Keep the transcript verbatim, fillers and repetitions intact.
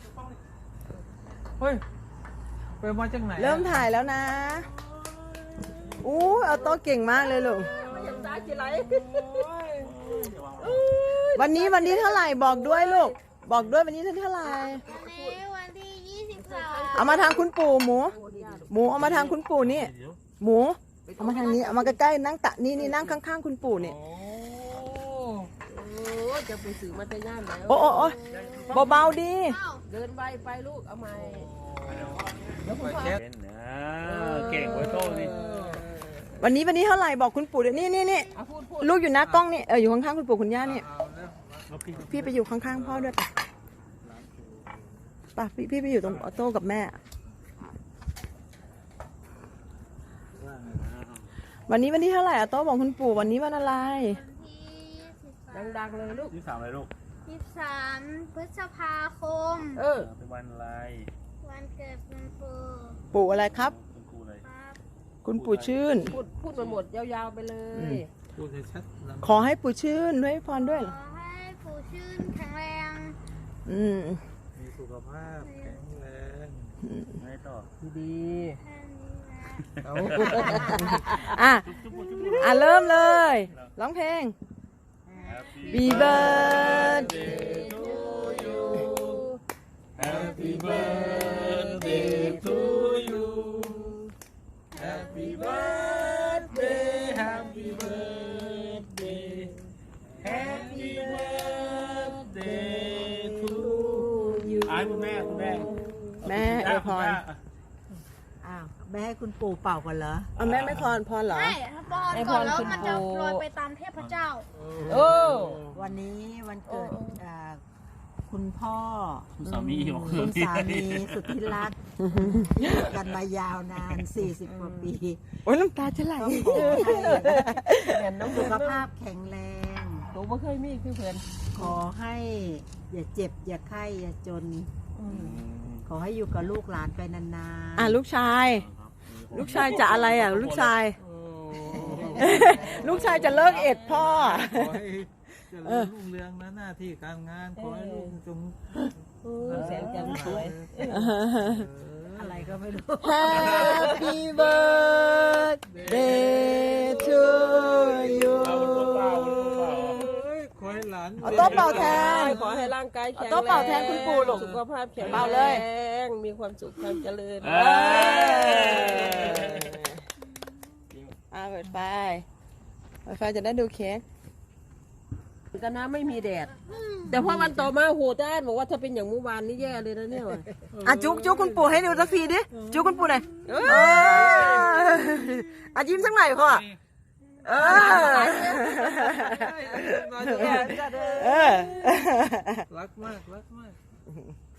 เฮ้ยไปมาจากไหนเริ่มถ่ายแล้วนะอู้เอาโต๊ะเก่งมากเลยลูกวันนี้วันนี้เท่าไหร่บอกด้วยลูกบอกด้วยวันนี้เท่าไหร่วันนี้วันที่ยี่สิบสามเอามาทางคุณปู่หมูหมูเอามาทางคุณปู่นี่หมูเอามาทางนี้เอามาใกล้ๆนั่งตะนี่นี่นั่งข้างๆคุณปู่นี่จะไปสื่อมาแต่ย่านแล้วโอ้โอ้โอ้เบาๆดีเดินไปไปลูกเอาใหม่เก่งไว้โต้นี่วันนี้วันนี้เท่าไหร่บอกคุณปู่เดี๋ยวนี่นี่นี่ลูกอยู่หน้ากล้องนี่เอออยู่ข้างๆคุณปู่คุณย่านี่พี่ไปอยู่ข้างๆพ่อด้วยป่ะป่ะพี่พี่ไปอยู่ตรงออโต้กับแม่วันนี้วันที่เท่าไหร่ออโต้บอกคุณปู่วันนี้วันอะไรดังๆเลยลูกยี่สามอะไรลูกยี่สิบสามพฤษภาคมเออเป็นวันอะไรวันเกิดคุณปู่ปู่อะไรครับคุณครูอะไรครับคุณปู่ชื่นพูดพูดมาหมดยาวๆไปเลยพูดให้ชัดขอให้ปู่ชื่นด้วยพรด้วยขอให้ปู่ชื่นแข็งแรงอืมมีสุขภาพแข็งแรงไม่ต่อดีแค่นี้นะๆเอาอ่ะอ่ะเริ่มเลยร้องเพลง Happy birthday to you Happy birthday to you Happy birthday Happy birthday Happy birthday to you อ่านคุณแม่คุณแม่แม่อวยพรอ้าวแม่ให้คุณปู่เป่าก่อนเหรอเอาแม่ไม่พรพรเหรอใช่ถ้าป้อนก่อนแล้วมันจะลอยไปตามเทพเจ้าโอ้วันนี้วันเกิดอ่าคุณพ่อคุณสามีบอกคุณสามีสุดที่รักอยู่กันมายาวนานสี่สิบกว่าปีโอ้ยน้ำตาจะไหลขอให้แม่น้องสุขภาพแข็งแรงหนูไม่เคยมีคือเพื่อนขอให้อย่าเจ็บอย่าไข้อย่าจน ขอให้อยู่กับลูกหลานไปนานอ่ะลูกชาย ลูกชายจะอะไรอ่ะ ลูกชาย ลูกชายจะเลิกเอ็ดพ่อขอให้เจริญรุ่งเรืองนะหน้าที่การงานขอให้ลูกจงแสนจังสวยๆอะไรก็ไม่รู้ Happy birthday to you ขอให้หลานเอาโต๊ะเป่าแทนขอให้ร่างกายแข็งเอาโต๊ะเป่าแทนคุณปู่ลูกสุขภาพแข็งเป่าเลยแรงมีความสุขความเจริญเอ้ยอ่าเปิดไฟเปิดไฟจะได้ดูเค้กกันนะไม่มีแดด แต่พอวันต่อมาโหด้านบอกว่าถ้าเป็นอย่างเมื่อวานนี่แย่เลยนะเนี่ยว่ะอ่ะจุกจุกคุณปู่ให้ดูสักทีดิ จุกคุณปู่หน่อยเอออ่ะยิ้มสักหน่อยพ่อเออเออรักมากรักมาก